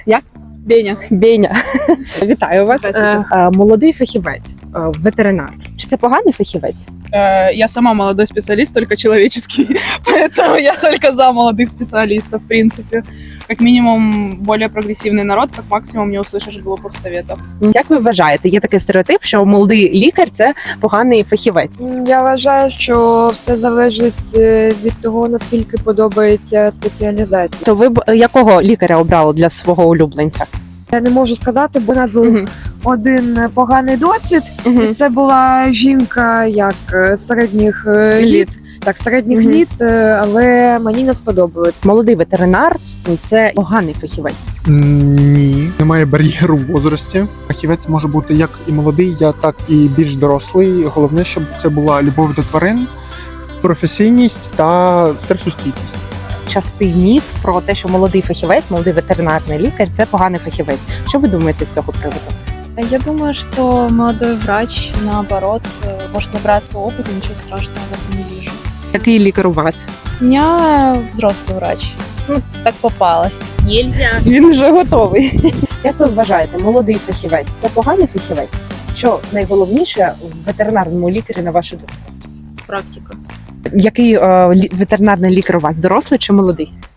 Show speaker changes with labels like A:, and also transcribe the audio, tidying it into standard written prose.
A: Як?
B: Беня.
A: Беня. Вітаю вас.
B: Здравствуйте.
A: Молодий фахівець, ветеринар. Чи це поганий фахівець?
B: Я сама молодой специалист, только человеческий, поэтому я только за молодых специалистов, в принципе. Как минимум, более прогрессивный народ, как максимум не услышишь глупых советов.
A: Як ви вважаєте, є такий стереотип, що молодий лікар – це поганий фахівець?
C: Я вважаю, що все залежить від того, наскільки подобається спеціалізація.
A: То ви б якого лікаря обрали для свого улюбленця?
C: Я не можу сказати, бо у нас був один поганий досвід, і це була жінка як середніх літ. Так, середніх літ, але мені не сподобалось.
A: Молодий ветеринар – це поганий фахівець.
D: Ні, немає бар'єру в возрасті. Фахівець може бути як і молодий, так і більш дорослий. Головне, щоб це була любов до тварин, професійність та стресостійкість.
A: Частий міф про те, що молодий фахівець, молодий ветеринарний лікар – це поганий фахівець. Що ви думаєте з цього приводу?
E: Я думаю, что молодой врач, наоборот, может набраться опыта, ничего страшного в этом не вижу.
A: Який лікар у вас?
E: У меня взрослый врач. Ну, так попалось.
A: Він вже готовий. Як ви вважаєте, молодий фахівець – це поганий фахівець? Що найголовніше в ветеринарному лікарі, на вашу думку?
E: Практика.
A: Який ветеринарний лікар у вас, дорослий чи молодий?